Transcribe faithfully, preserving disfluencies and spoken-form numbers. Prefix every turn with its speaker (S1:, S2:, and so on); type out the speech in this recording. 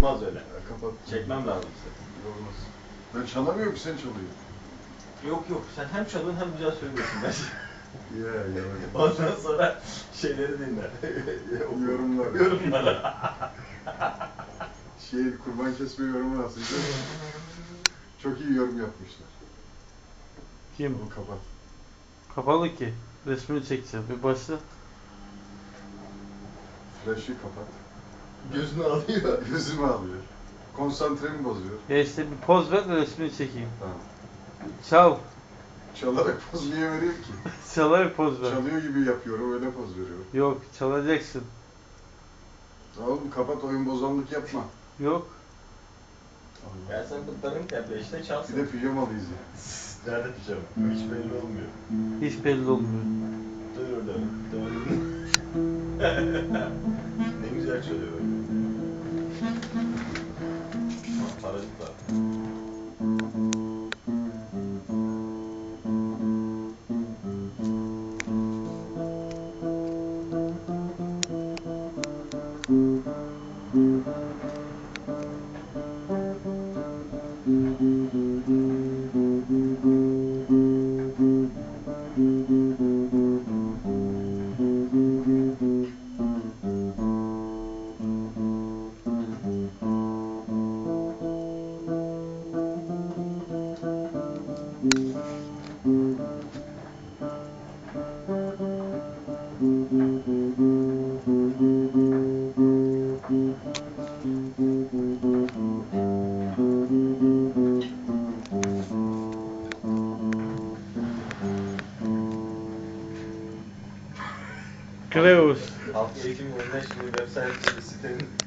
S1: Olmaz öyle.
S2: Ya, kapat.
S1: Çekmem lazım size.
S2: Olmaz. Ben çalamıyorum ki, sen çalıyorsun.
S1: Yok yok, sen hem çalıyorsun hem güzel söylüyorsun bence.
S2: Ya ya.
S1: Ondan sonra şeyleri dinle.
S2: Yorumlar.
S1: Yorumlar.
S2: Şey, kurban kesme yorumu nasıldı? Çok iyi yorum yapmışlar.
S3: Kim?
S2: Onu kapat.
S3: Kapalı ki. Resmini çekeceğim. Bir başla.
S2: Flash'ı kapat.
S1: Gözünü alıyor.
S2: Gözümü alıyor. Konsantremi bozuyor.
S3: Ya işte bir poz ver de resmini çekeyim.
S2: Tamam.
S3: Çal.
S2: Çalarak poz niye vereyim ki?
S3: Çalarak poz ver.
S2: Çalıyor gibi yapıyorum, öyle poz veriyorum.
S3: Yok, çalacaksın.
S2: Oğlum kapat, oyun bozanlık yapma.
S3: Yok.
S1: Ben sen kutlarım tepe işte çalsın.
S2: Bir de pijamalıyız ya.
S1: Nerede pijama? Hiç belli olmuyor.
S3: Hiç belli olmuyor.
S1: Dur dur dur. Ne güzel çalıyor böyle. Ha, parazit var.
S3: Kleus.
S1: Halk eğitim oyunlar şimdi web site sitenin